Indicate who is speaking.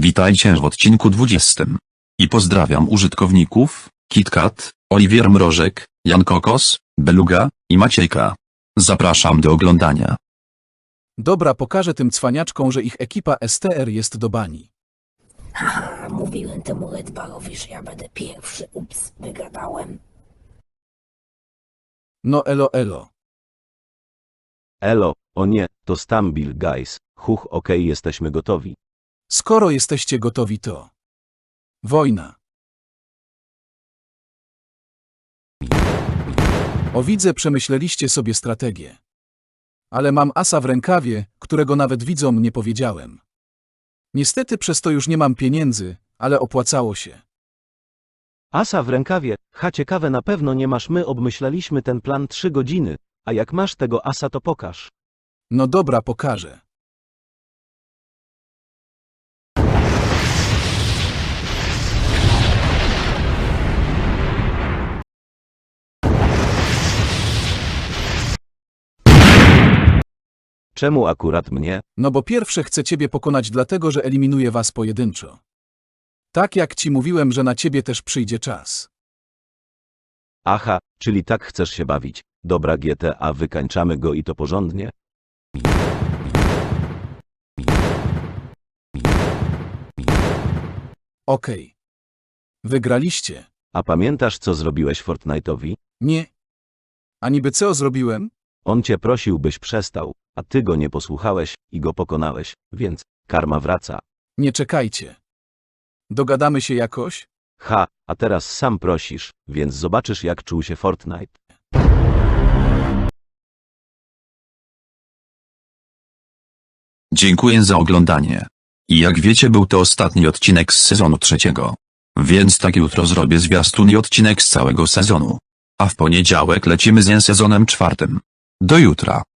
Speaker 1: Witajcie w odcinku 20. I pozdrawiam użytkowników, KitKat, Oliwier Mrożek, Jan Kokos, Beluga i Maciejka. Zapraszam do oglądania.
Speaker 2: Dobra, pokażę tym cwaniaczkom, że ich ekipa STR jest do bani.
Speaker 3: Haha, mówiłem temu Redbarowi, że ja będę pierwszy. Ups, wygadałem.
Speaker 2: No elo elo.
Speaker 4: Elo, o nie, to Stumble Guys. Huch, okej, jesteśmy gotowi.
Speaker 2: Skoro jesteście gotowi, to... Wojna. O, widzę, przemyśleliście sobie strategię. Ale mam asa w rękawie, którego nawet widzom nie powiedziałem. Niestety przez to już nie mam pieniędzy, ale opłacało się.
Speaker 4: Asa w rękawie, ciekawe, na pewno nie masz, my obmyślaliśmy ten plan 3 godziny, a jak masz tego asa, to pokaż.
Speaker 2: No dobra, pokażę.
Speaker 4: Czemu akurat mnie?
Speaker 2: No bo pierwsze chcę ciebie pokonać, dlatego że eliminuję was pojedynczo. Tak jak ci mówiłem, że na ciebie też przyjdzie czas.
Speaker 4: Aha, czyli tak chcesz się bawić. Dobra, GTA, wykańczamy go i to porządnie.
Speaker 2: Okej. Wygraliście.
Speaker 4: A pamiętasz, co zrobiłeś Fortnite'owi?
Speaker 2: Nie. A niby co zrobiłem?
Speaker 4: On cię prosił, byś przestał, a ty go nie posłuchałeś i go pokonałeś, więc karma wraca.
Speaker 2: Nie czekajcie. Dogadamy się jakoś?
Speaker 4: A teraz sam prosisz, więc zobaczysz, jak czuł się Fortnite.
Speaker 1: Dziękuję za oglądanie. I jak wiecie, był to ostatni odcinek z sezonu 3. Więc tak jutro zrobię zwiastun i odcinek z całego sezonu. A w poniedziałek lecimy z sezonem 4. Do jutra.